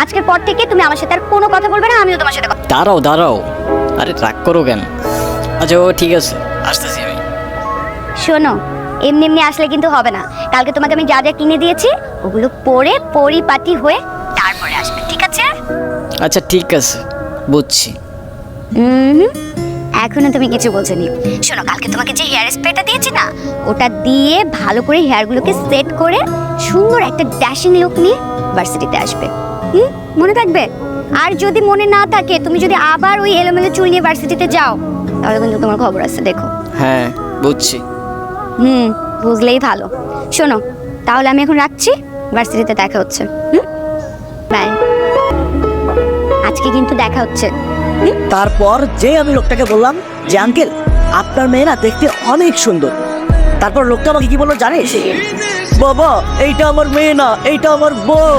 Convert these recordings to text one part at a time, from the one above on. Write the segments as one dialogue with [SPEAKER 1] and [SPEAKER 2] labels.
[SPEAKER 1] আজকের পর থেকে তুমি আমার সাথে আর কোনো কথা বলবে না, আমিও তোমার সাথে কথা।
[SPEAKER 2] দাঁড়াও দাঁড়াও, আরে রাগ করো কেন? আচ্ছা ও ঠিক আছে, আসতেছি আমি।
[SPEAKER 1] শোনো, এমনি এমনি আসলে কিন্তু হবে না। কালকে তোমাকে আমি যা যা কিনে দিয়েছি ওগুলো পরে পরিপাটি হয়ে তারপরে আসবে, ঠিক আছে?
[SPEAKER 2] আচ্ছা ঠিক আছে, বুঝছি।
[SPEAKER 1] এখনো তুমি কিছু বলছোনি। শোনো, কালকে তোমাকে যে হেয়ার স্প্রেটা দিয়েছি না, ওটা দিয়ে ভালো করে হেয়ারগুলোকে সেট করে সুন্দর একটা ড্যাশিং লুক নিয়ে ভার্সিটিতে আসবে। মনে থাকবে? আর যদি মনে না থাকে, তুমি যদি আবার ওই এলোমেলো চুল নিয়ে ভার্সিটিতে যাও, তাহলে কিন্তু তোমার খবর আছে, দেখো।
[SPEAKER 2] হ্যাঁ বুঝছি।
[SPEAKER 1] বুঝলেই ভালো। শোনো, তাহলে আমি এখন রাখছি, ভার্সিটিতে দেখা হচ্ছে। বাই। আজকে কিন্তু দেখা হচ্ছে।
[SPEAKER 3] তারপর যে আমি লোকটাকে বললাম যে আঙ্কেল আপনার মেয়ে না দেখতে অনেক সুন্দর, তারপর লোকটা আমাকে কি বললো জানিস? বাবা এইটা আমার মেয়ে না, এইটা আমার বউ।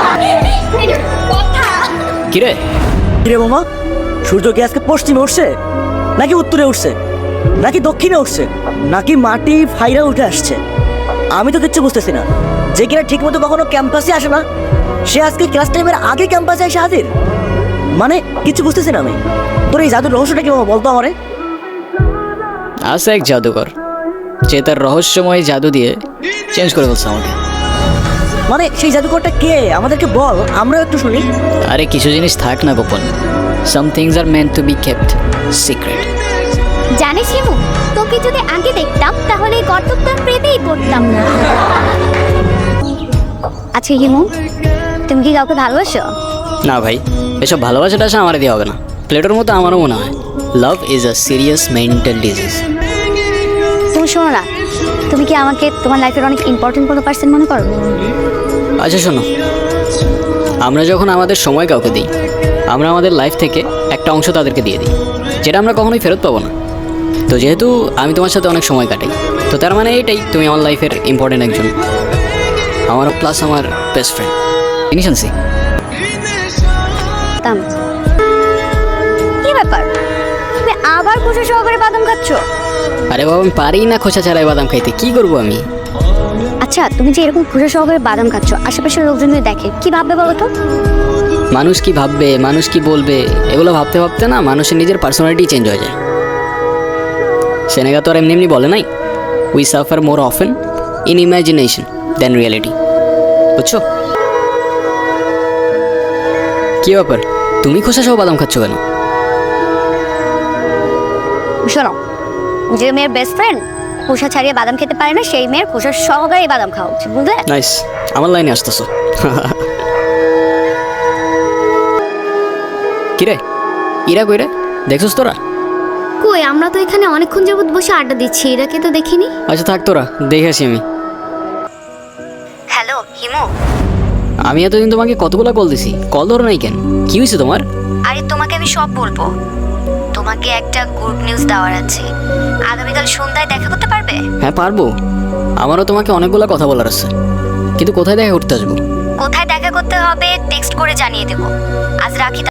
[SPEAKER 2] কিরে
[SPEAKER 3] কিরে মামা, সূর্য কি আজকে পশ্চিমে উঠছে নাকি উত্তরে উঠছে নাকি দক্ষিণে উঠছে নাকি মাটি ফাইরা উঠে আসছে? আমি তো কিচ্ছু বুঝতেছি না। যে কিনা ঠিক মতো কখনো ক্যাম্পাসে আসে না, সে আজকে ক্লাস টাইমের আগে ক্যাম্পাসে এসে হাজির। মানে কিছু বুঝতেছি না আমি। তোর এই জাদুর রহস্যটা কি মামা, বলতো আমারে।
[SPEAKER 2] আছে এক জাদুকর, যে তার রহস্যময় জাদু দিয়ে চেঞ্জ করে বলছে আমাকে।
[SPEAKER 3] মানে সেই জাদুকরটা কে আমাদেরকে বল, আমরাও একটু শুনি।
[SPEAKER 2] আরে কিছু জিনিস থাক না গোপন, some things are meant to be kept secret.
[SPEAKER 1] জানিস হিমু, তোকে যদি আগে দেখতাম তাহলে এই গর্তটা প্রেমেই পড়তাম না। আচ্ছা হিমু, তুমি কি কাউকে ভালোবাসো?
[SPEAKER 2] না ভাই, এসব ভালোবাসাটা আসে আমার দিয়ে হবে না। প্লেটোর মতো আমারও মনে হয় love is a serious mental disease.
[SPEAKER 1] তুমি শোনো না, তুমি কি আমাকে তোমার লাইফের অনেক ইম্পর্টেন্ট কোনো পার্সন মনে করো?
[SPEAKER 2] আচ্ছা শোনো, আমরা যখন আমাদের সময় কাউকে দিই, আমরা আমাদের লাইফ থেকে একটা অংশ তাদেরকে দিয়ে দিই, যেটা আমরা কখনোই ফেরত পাবো না। তো যেহেতু আমি তোমার সাথে অনেক সময় কাটাই, তো তার মানে এটাই তুমি আমার লাইফের ইম্পর্টেন্ট একজন, আমার প্লাস আমার বেস্ট ফ্রেন্ড। জিনিস আনছি।
[SPEAKER 1] কি ব্যাপার, তুমি আবার খুশি সহকারে বাদাম খাচ্ছ?
[SPEAKER 2] আরে বাবা, আমি পারি না খোসা ছাড়াই বাদাম খাইতে, কি করবো আমি?
[SPEAKER 1] আচ্ছা, তুমি যে এরকম খুশি সহকারে বাদাম খাচ্ছ, আশেপাশের লোকজন যদি দেখে কি ভাববে বলো তো?
[SPEAKER 2] মানুষ কি ভাববে, মানুষ কি বলবে, এগুলো ভাবতে ভাবতে না মানুষের নিজের পার্সোনালিটি চেঞ্জ হয়ে যায়। সেনেগা তো আর এমনি এমনি বলে নাই, we suffer more often in imagination than reality. বুঝছো? কি ব্যাপার, তুমি খোসা সহ বাদাম খাচ্ছ কেন?
[SPEAKER 1] শোনো, যে মেয়ের বেস্ট ফ্রেন্ড খোসা ছাড়িয়ে বাদাম খেতে পারে না, সেই মেয়ের খোসা সহকারে বাদাম খাওয়া উচিত, বুঝলে?
[SPEAKER 2] নাইস, আমার লাইনে আসতেছো। কিরে ইরা কইরে দেখছস তোরা?
[SPEAKER 1] কই, আমরা তো এখানে অনেকক্ষণ যাবত বসে আড্ডা দিচ্ছি, এরাকে তো দেখিনি।
[SPEAKER 2] আচ্ছা থাক, তোরা দেখে আসি আমি।
[SPEAKER 1] হ্যালো হিমু।
[SPEAKER 2] আমি এতদিন তোমাকে কতগুলো কল দিছি, কল ধরো নাই কেন? কি হয়েছে তোমার?
[SPEAKER 1] আরে তোমাকে আমি সব বলবো। তোমাকে একটা গুড নিউজ দেওয়ার আছে। আগামীকাল সন্ধ্যায় দেখা করতে পারবে?
[SPEAKER 2] হ্যাঁ পারবো, আমারও তোমাকে অনেকগুলো কথা বলার আছে, কিন্তু কোথায় দেখা করতে আসবো?
[SPEAKER 1] কোথায় দেখা করতে হবে টেক্সট করে জানিয়ে দেবো। আজ রাখি।